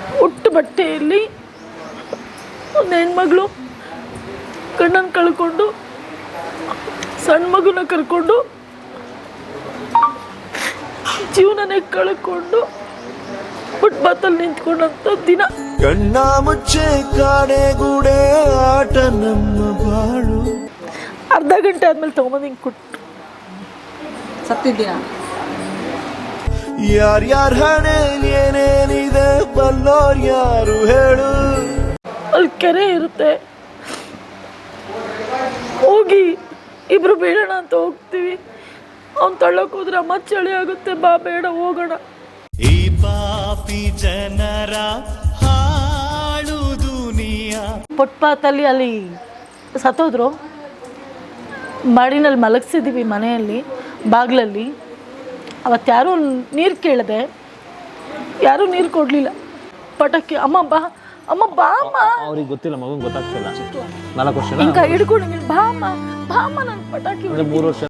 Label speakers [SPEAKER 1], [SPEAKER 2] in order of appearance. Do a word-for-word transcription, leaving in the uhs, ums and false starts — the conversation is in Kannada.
[SPEAKER 1] ಹುಟ್ಟು ಬಟ್ಟೆಯಲ್ಲಿ ಒಂದು ಹೆಣ್ಮಗಳು ಗಂಡನ ಕಳ್ಕೊಂಡು ಸಣ್ಣ ಮಗುನ ಕರ್ಕೊಂಡು ಜೀವನನೇ ಕಳ್ಕೊಂಡು ಫುಟ್ಪಾತಲ್ಲಿ ನಿಂತ್ಕೊಂಡಂಥ ದಿನ.
[SPEAKER 2] ಕಣ್ಣ ಮುಚ್ಚೆ ಕಾಡೆ ಗೂಡೆ ಆಟ ನಮ್ಮ ಬಾಳು.
[SPEAKER 1] ಅರ್ಧ ಗಂಟೆ ಆದ್ಮೇಲೆ ತಗೊಂಬಂದು ಹಿಂಗೆ ಕೊಟ್ಟು
[SPEAKER 3] ಸತ್ತಿದ್ದೀನ.
[SPEAKER 2] ಯಾರ್ಯಾರ ಹಣೆ ಏನೇನಿದೆ ಬಲ್ಲೋರ್ ಯಾರು ಹೇಳು.
[SPEAKER 1] ಅಲ್ಲಿ ಕೆರೆ ಇರುತ್ತೆ, ಹೋಗಿ ಇಬ್ರು ಬೇಡಣ ಅಂತ ಹೋಗ್ತೀವಿ. ಅವ್ನು ತಳ್ಳಕ್ ಹೋದ್ರೆ ಅಮ್ಮ ಚಳಿ ಆಗುತ್ತೆ, ಬಾ ಬೇಡ ಹೋಗೋಣ.
[SPEAKER 2] ಈ ಪಾಪಿ ಜನರ ಹಾಳು ದುನಿಯಾ.
[SPEAKER 1] ಫುಟ್ಪಾತಲ್ಲಿ ಅಲ್ಲಿ ಸತ್ತೋದ್ರು. ಮಾಡಿನಲ್ಲಿ ಮಲಗಿಸಿದ್ದೀವಿ ಮನೆಯಲ್ಲಿ ಬಾಗಿಲಲ್ಲಿ. ಅವತ್ತು ಯಾರೂ ನೀರು ಕೇಳಿದೆ, ಯಾರೂ ನೀರು ಕೊಡಲಿಲ್ಲ. ಪಟಾಕಿ ಅಮ್ಮ ಬಾ ಅಮ್ಮ ಬಾ ಅಮ್ಮ,
[SPEAKER 4] ಅವ್ರಿಗೆ ಗೊತ್ತಿಲ್ಲ, ಮಗಂಗೆ ಗೊತ್ತಾಗ್ತಿಲ್ಲ. ನಾಲ್ಕು ವರ್ಷ
[SPEAKER 1] ಹಿಂಗೆ ಹಿಡ್ಕೊಂಡು ಬಾ ಅಮ್ಮ ಬಾ ಅಮ್ಮ, ನನ್ನ ಪಟಾಕಿ
[SPEAKER 4] ಮೂರು ವರ್ಷ